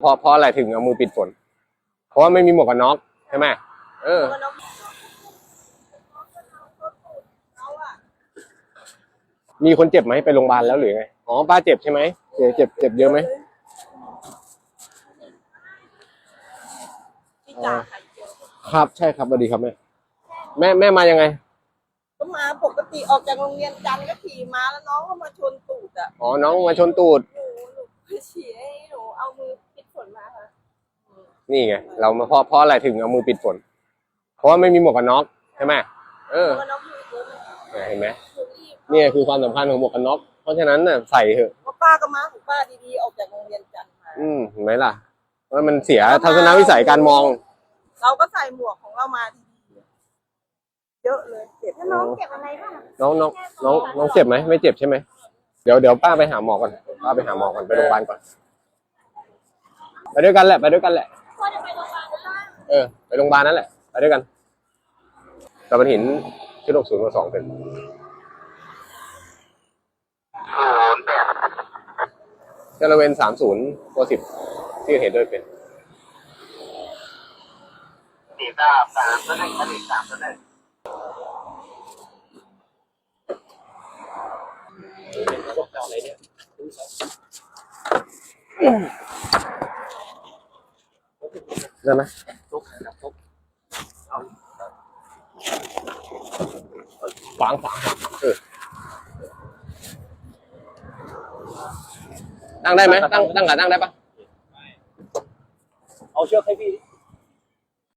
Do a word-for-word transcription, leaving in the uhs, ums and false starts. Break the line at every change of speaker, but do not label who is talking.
เพราะเพราะอะไรถึงเอามือปิดฝนเพราะว่าไม่มีหมวกกันน็อกใช่ไหมเออมีคนเจ็บไหมไปโรงพยาบาลแล้วหรือไงอ๋อป้าเจ็บใช่ไหมเจ็บเจ็บเจ็บเยอะไหมครับใช่ครับสวัสดีครับแม่แม่แม่มายังไง
ก็มาปกติออกจากโรงเรียนจันทร์ก็ขี่มาแล้วน้องก็มาชนตูดอ่ะ
อ๋อน้องมาชนตูด
หนูหนูฉี่ให้หนูเอามือปิดฝนมาค่ะ
นี่ไงเรามาเพราะเพราะอะไรถึงเอามือปิดฝนเพราะว่าไม่มีหมวกกันน็อกใช่ไหมเออเห็นไหมนี่คือความสำคัญของหมวกกันน็อกเพราะฉะนั้นน่ะใส่เถอะ
ป้าก็มาของป้าดีๆออกจากโรงเรียนจันทร์มา
อืมเห็นไหมล่ะว่ามันเสียทัศนวิสัยการมอง
เราก็ใส่หมวกของเรามาดีๆเยอะเลยเจ็บ
น้องเจ็บอะไรบ้าง
น้องน้องน้องน้องเจ็บไหมไม่เจ็บใช่ไหมเดี๋ยวเดี๋ยวป้าไปหาหมอก่อนป้าไปหาหมอก่อนไปโรงพยาบาลก่อนไปด้วยกันแหละไปด้วยกันแหละ
พ่อจะไปโรงพยาบาลนะ
เออไปโรงพยาบาลนั่นแหละไปด้วยกันตะบันหินชุดหกศูนย์มาสองเป็นเจริญเวนสามศูนย์ตัวสิบที่เห็นด้วยเป็น
สี่สามสามตัวหนึ่งสี่สามตัวหนึ่งอะไรเนี่ย
ได้ไหม
ทุกครับทุก
ฝังฝังเออนั่งได้ไหมตั้งตั้งขานั่งได้ปะ
เอาเชือกให้พี่